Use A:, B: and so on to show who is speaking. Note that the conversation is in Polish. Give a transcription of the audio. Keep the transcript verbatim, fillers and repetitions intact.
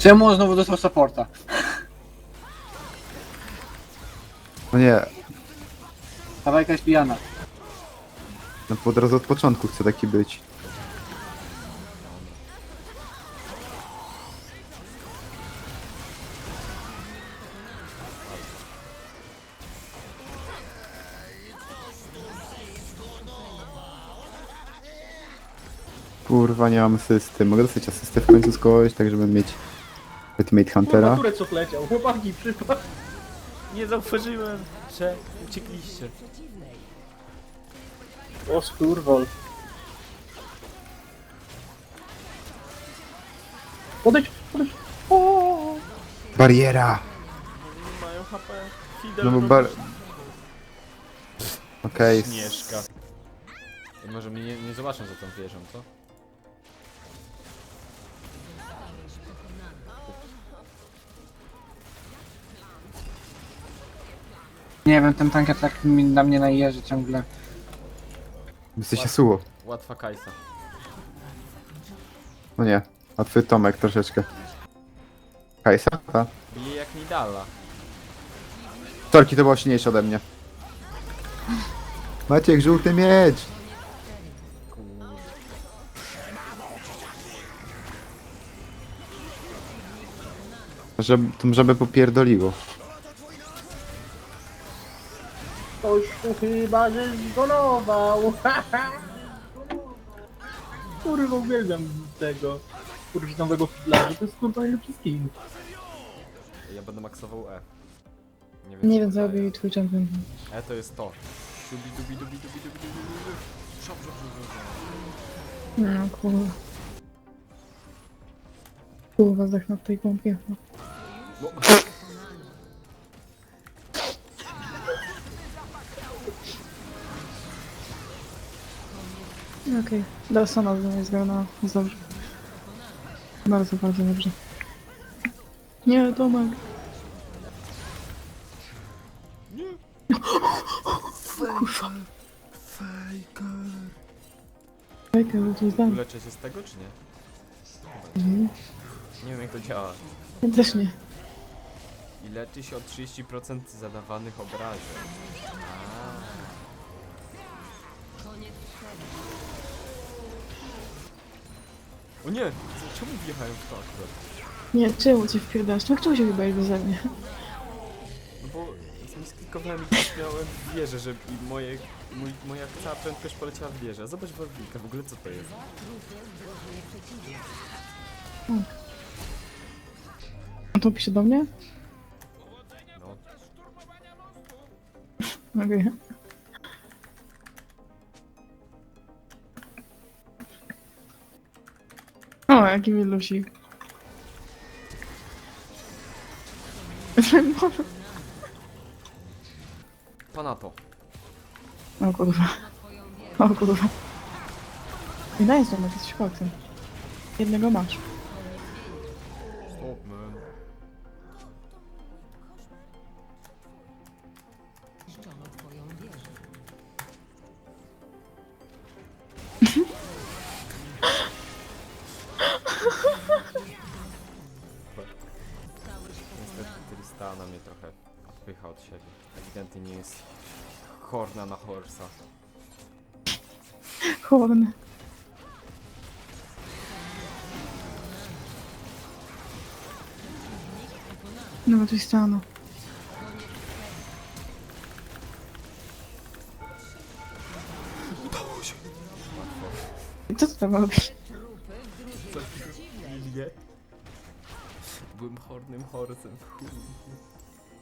A: Czemu on znowu dostał supporta?
B: No nie,
A: Ta bajka jest pijana.
B: no bo od razu od początku chcę taki być. Kurwa, nie mam asysty. Mogę dostać asystę w końcu z kogoś, tak żeby mieć Ultimate Huntera?
C: Kurwa, Turecok leciał. Chłopaki, przypadł.
D: Nie zauważyłem, że uciekliście.
C: O skurwol. Podejdź, podejdź. O!
B: Bariera!
D: Nie mają H P. Fidel
B: No bo
D: robi
B: bar... Okej, okay.
D: Śnieżka. I może mnie nie, nie zobaczą za tą wieżą, co?
A: Nie wiem, ten tankier tak mi- na mnie najeży ciągle.
B: Jesteś Yasuo.
D: Łatwa Kajsa.
B: No nie, łatwy Tomek troszeczkę. Kajsa? Ta.
D: Bije jak Nidala.
B: Torki to było silniejsze ode mnie. Maciek, żółty miecz! Żeby, to żeby popierdoliło.
C: Ktoś tu chyba że zgonował. Kurwa, uwielbiam tego. Kurwa, nowego fidlarza. To jest kurwa najlepszy skin.
D: Ja będę maksował E.
E: Nie
D: co
E: wiem,
D: to
E: co
D: daje.
E: robi twój champion.
D: E to jest to. Dubi dubi dubi dubi dubi dubi dubi. Szop, szop, szop, szop.
E: No kurwa. Kurwa, zdechnę w tej pompie. No.
D: No.
E: Okej, okay. Sana znowu jest grana. Jest dobrze. Bardzo, bardzo dobrze. Nie, Tomek. Kurwa. Fejker, to jest dan.
D: Uleczę się z tego czy nie?
E: Mhm.
D: Nie wiem jak to działa.
E: Ja też nie.
D: I leczy się o trzydzieści procent zadawanych obrażeń. A. O nie! Co- Czemu wjechałem w to akurat?
E: Nie, czemu cię wpierdasz? No czemu się wybajesz beze mnie?
D: No bo sklikowałem i też miałem wieżę, że i moje, mój, moja cała prędkość poleciała w wieżę. Zobacz Warwinka, w ogóle co to jest?
E: On to pisze do mnie?
D: No.
E: Okej. O, jaki milusik.
D: Panato.
E: O kurwa. O kurwa. I daj znowu, jesteś koksem. Jednego masz.
D: Stop man. Niestety Tristana mnie trochę odpycha od siebie. Ewidentnie nie jest horna na horsa.
E: Chłodny. No to stanął. Co ty tam robisz?
D: Nie? Byłem hornym horsem. Chuj.